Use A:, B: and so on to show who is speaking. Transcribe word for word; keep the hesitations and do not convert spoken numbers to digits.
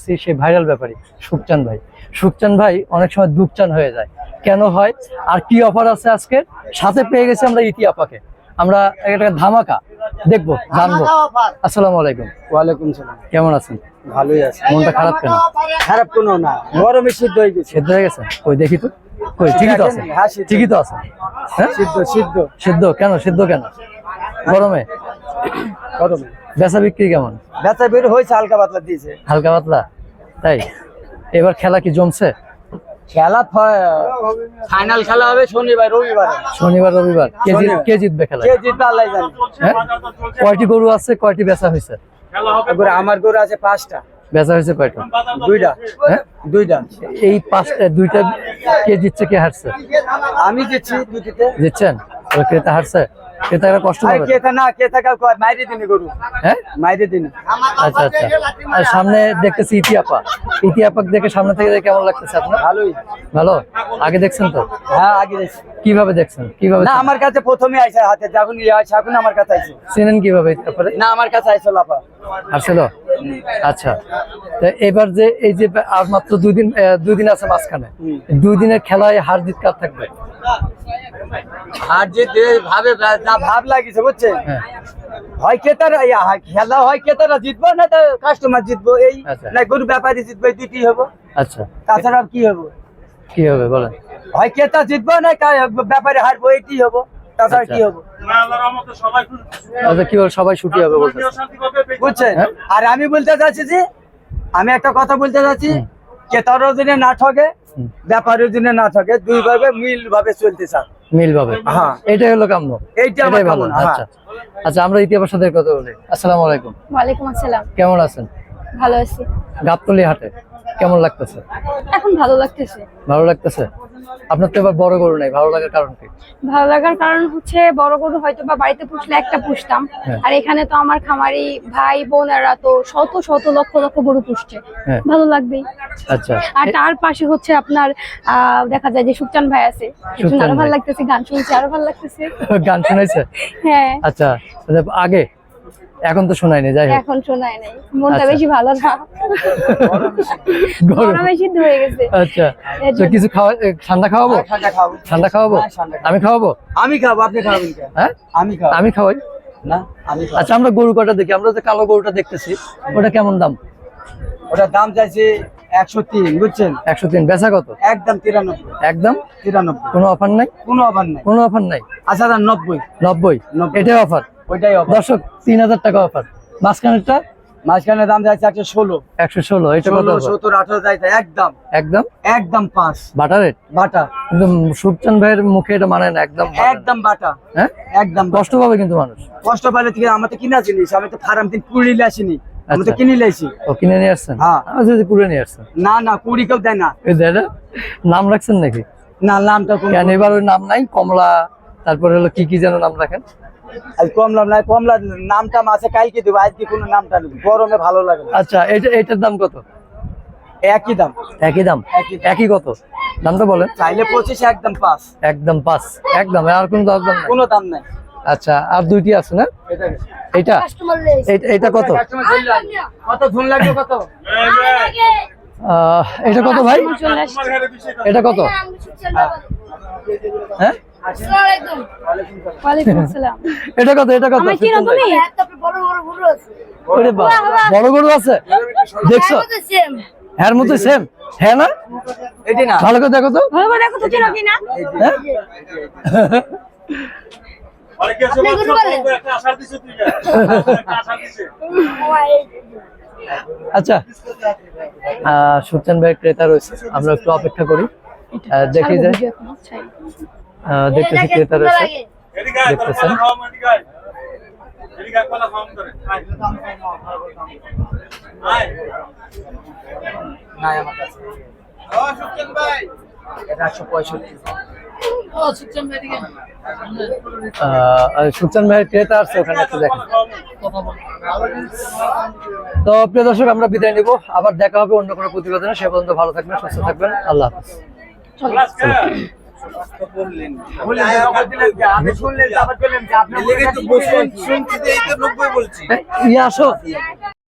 A: আসছি সেই ভাইরাল ব্যাপারী সুখচান ভাই। সুখচান ভাই অনেক সময় দুপচান হয়ে যায়, কেন হয় আর কি অফার আছে আজকে? সাথে পেয়ে গেছি আমরা ইতি আপাকে, আমরা একটা ধামাকা দেখবো, জানবো। আসসালামু আলাইকুম।
B: ওয়ালাইকুম সালাম।
A: কেমন আছেন?
B: ভালোই আছে।
A: মনটা খারাপ কেন?
B: খারাপ কোনো না, গরমে সিদ্ধ হয়ে গেছে।
A: সিদ্ধ হয়ে গেছে? ওই দেখি তো, ওই ঠিকই তো আছে, ঠিকই তো আছে। হ্যাঁ
B: সিদ্ধ সিদ্ধ
A: সিদ্ধ কেন? সিদ্ধ কেন গরমে?
B: গরমে
A: বেচা বিক্রি কেমন?
B: বেচা বের হয়েছে, হালকা পাতলা দিয়েছে।
A: হালকা পাতলা, তাই? এবার খেলা কি জমছে?
B: খেলা ফাইনাল খেলা হবে শনিবার রবিবার।
A: শনিবার রবিবার কে জিত- কে জিতবে খেলা?
B: কে জিতবে আল্লাহ জানে।
A: হ্যাঁ? কয়টি গরু আছে, কয়টি বেচা হয়েছে?
B: এবার আমার গরু আছে পাঁচটা।
A: বেচা হয়েছে কয়টা?
B: দুইটা।
A: হ্যাঁ
B: দুইটা।
A: এই পাঁচটা, দুইটা কে জিতছে কে হারছে?
B: আমি দিচ্ছি দুটিতে।
A: জিতছেন? ওরা ক্রেতা হারছে, ক্রেতারা কষ্ট
B: আরে
A: পাবে।
B: কেতা না, কেতা কাল কয় মাইরে দিনে গরু।
A: হ্যাঁ
B: মাইরে দিনে।
A: আচ্ছা আচ্ছা। আর সামনে দেখতেছি ইতিহাপা, ইতিহাপাক দেখে সামনে থেকে দেখে কেমন লাগতেছে আপনার?
B: ভালোই।
A: ভালো। আগে দেখছেন তো?
B: হ্যাঁ আগে দেখছি।
A: কিভাবে দেখছেন? কিভাবে
B: না আমার কাছে প্রথমে আইছে, হাতে যখন ইয়ে আছে এখন আমার কাছে আইছে।
A: চেনেন কিভাবে তারপরে?
B: না আমার কাছে আইছে লাফা।
A: আসছিল। আচ্ছা, তো এবার যে এই যে আর মাত্র দুই দিন আহ, দুই দিন আছে মাঝখানে, দুই দিনের খেলায় হার জিত কার থাকবে?
B: আর যে যে ভাবে যা ভাব লাগিছে বুঝছেন,
A: হ্যাঁ
B: হয় ক্রেতারা ইয়া, হয় খেলা হয় ক্রেতারা জিতবো না তো কাস্টমার জিতবো, এই
A: আচ্ছা।
B: না গরু ব্যাপারী জিতবো, এই দুটি হবো।
A: আচ্ছা,
B: তাছাড়া আর কি হবো?
A: কি হবে বলেন?
B: হয় ক্রেতা জিতবো না ব্যাপারী হারবো, এইটি হবো, তাছাড়া কি
A: আচ্ছা।
B: হবো?
A: আচ্ছা, কি বল, সবাই ছুটি হবে বলতেছে,
B: বুঝছেন?
A: হ্যাঁ?
B: আর আমি বলতে চাচ্ছি যে, আমি একটা কথা বলতে চাচ্ছি, ক্রেতারও দিনে না ঠকে,
A: হুম।
B: ব্যাপারীর দিনে না ঠকে, দুই ভাবে মিল ভাবে চলতে চান।
A: মিল পাবে।
B: হ্যাঁ।
A: এটাই হলো কাম্য,
B: এইটা আমার
A: এটাই ভালো।
B: কামনা, হ্যাঁ।
A: আচ্ছা আচ্ছা, আমরা ইতিহাসের সাথে কথা বলি। আসসালামু আলাইকুম।
C: ওয়ালাইকুম আসসালাম।
A: কেমন আছেন?
C: ভালো আছি।
A: গাবতলী হাটে কেমন লাগতেছে?
C: এখন ভালো লাগতেছে।
A: ভালো লাগতেছে। আপনার তো এবার বড় গরু নাই, ভালো লাগার কারণ কি?
C: ভালো লাগার কারণ হচ্ছে বড় গরু হয়তো বা বাড়িতে পুষলে একটা পুষতাম,
A: হ্যাঁ।
C: আর এখানে তো আমার খামারি ভাই বোনেরা তো শত শত লক্ষ লক্ষ গরু পুষছে,
A: হ্যাঁ।
C: ভালো লাগবেই।
A: আচ্ছা,
C: আর তার পাশে হচ্ছে আপনার আহ দেখা যায় যে সুখচান ভাই আছে,
A: সুখচান
C: আরো ভালো
A: ভাই।
C: লাগতেছে, গান শুনছি আরো ভালো লাগতেছে।
A: গান শুনাইছে?
C: হ্যাঁ,
A: আচ্ছা, আগে এখন তো শোনায়নি, যাই হোক।
C: এখন শোনায় নাই, মনটা
A: আচ্ছা।
C: বেশি ভালো না,
A: গরম।
C: গরমে সিদ্ধ হয়ে গেছে।
A: আচ্ছা,
C: এর
A: তো
C: জন্য।
A: কিছু খাওয়া, এ, ঠান্ডা খাওয়াবো?
B: হ্যাঁ, ঠান্ডা খাবো।
A: ঠান্ডা খাওয়াবো?
B: হ্যাঁ, ঠান্ডা খাবো।
A: আমি খাওয়াবো?
B: আমি খাবো, আপনি খাবেন কেন?
A: হ্যাঁ
B: আমি খাবো।
A: আমি খাওয়াই।
B: না আমি খাবো।
A: আচ্ছা, আমরা গরু কটা দেখি, আমরা যে কালো গরুটা দেখতেছি ওটা কেমন দাম?
B: ওটার দাম চাইছে একশো তিন, বুঝছেন?
A: একশো তিন। বেচা কত?
B: একদম তিরানব্বই।
A: একদম
B: তিরানব্বই,
A: কোনো অফার নাই?
B: কোনো অভাব নাই।
A: কোনো অফার নাই?
B: আচ্ছা দাম নব্বই।
A: নব্বই।
B: নব্বই।
A: এটাই অফার?
B: ওইটাই অভাব।
A: দর্শক, তিন হাজার টাকা অফার। মাঝখানেরটা
B: মাঝখানে দাম যাচ্ছে একশো ষোলো।
A: একশো ষোলো। এটা কত
B: ষোলো
A: offer?
B: সত্তর আঠারো যাইতে একদম
A: একদম
B: একদম পাঁচ
A: বাটা রেট।
B: বাটা।
A: কিন্তু সুখচান ভাইয়ের মুখে এটা মানে না, একদম বাটা।
B: একদম বাটা।
A: হ্যাঁ,
B: একদম বাটা।
A: কষ্ট পাবে কিন্তু মানুষ।
B: কষ্ট পাইলে থেকে আমার তো কিনা জিনিস, আমি তো ফার্ম দিন কুড়িলে আসিনি, আমি তো
A: আচ্ছা।
B: কিনে লাইছি।
A: ও কিনে নিয়ে আসছেন?
B: হ্যাঁ।
A: আমার যদি কুড়ে নিয়ে আসছেন।
B: না না কুড়ি কেউ দেয় না।
A: এই দাদা নাম রাখছেন নাকি?
B: না নামটা কোন
A: কেন এবার ওই নাম নাই? কমলা, তারপরে হলো কি কি যেন নাম রাখেন?
B: আজ কমলাম নাই, কমলা নামটা আছে কালকে দেবো, আজকে কোনো নামটা নেই, গরমে ভালো লাগে না।
A: আচ্ছা, এটা এটার দাম কত?
B: একই দাম।
A: একই দাম?
B: একই।
A: একই কত? দামটা বলেন।
B: চাইলে পঁচিশ, একদম পাঁচ।
A: একদম পাঁচ। একদম, আর কোনো দাম নাই?
B: কোনো দাম নাই।
A: আচ্ছা, আর দুইটি আছে না?
B: এটা
A: এটা এটা- এটা কত?
B: কত ধুন লাগবে কত?
A: আহ, এটা কত ভাই?
C: চলে আসছে।
A: এটা কত? হ্যাঁ,
C: ওয়ালাইকুম আসসালাম।
A: এটা কত? এটা কত?
C: আমার চিনো তুমি?
A: ওরে বাবা, বড় গরু আছে দেখছো? হ্যাঁ মতো সেম। হ্যাঁ না,
B: এটি না।
A: ভালো করে দেখো তো।
C: ভালো করে দেখো তো চিনো কিনা।
A: হ্যাঁ? আচ্ছা, আহ, সুখচান ভাই ক্রেতা রয়েছে, আমরা একটু অপেক্ষা করি, আহ, দেখি যে আহ, দেখতেছি ক্রেতা রয়েছে, দেখতেছেন।
B: নাই আমার কাছে। এটা একশো পঁয়ষট্টি।
A: আহ, সুখচান ভাইয়ের ক্রেতা আছে ওখানে, একটু দেখেন। তো প্রিয় দর্শক, আমরা বিদায় নিব, আবার দেখা হবে অন্য কোনো প্রতিবেদনে। সে পর্যন্ত ভালো থাকবেন, সুস্থ থাকবেন, আল্লাহ হাফেজ।
B: আপনি শুনলেন, আবার বললেন যে আপনি
A: ইয়ে আসো।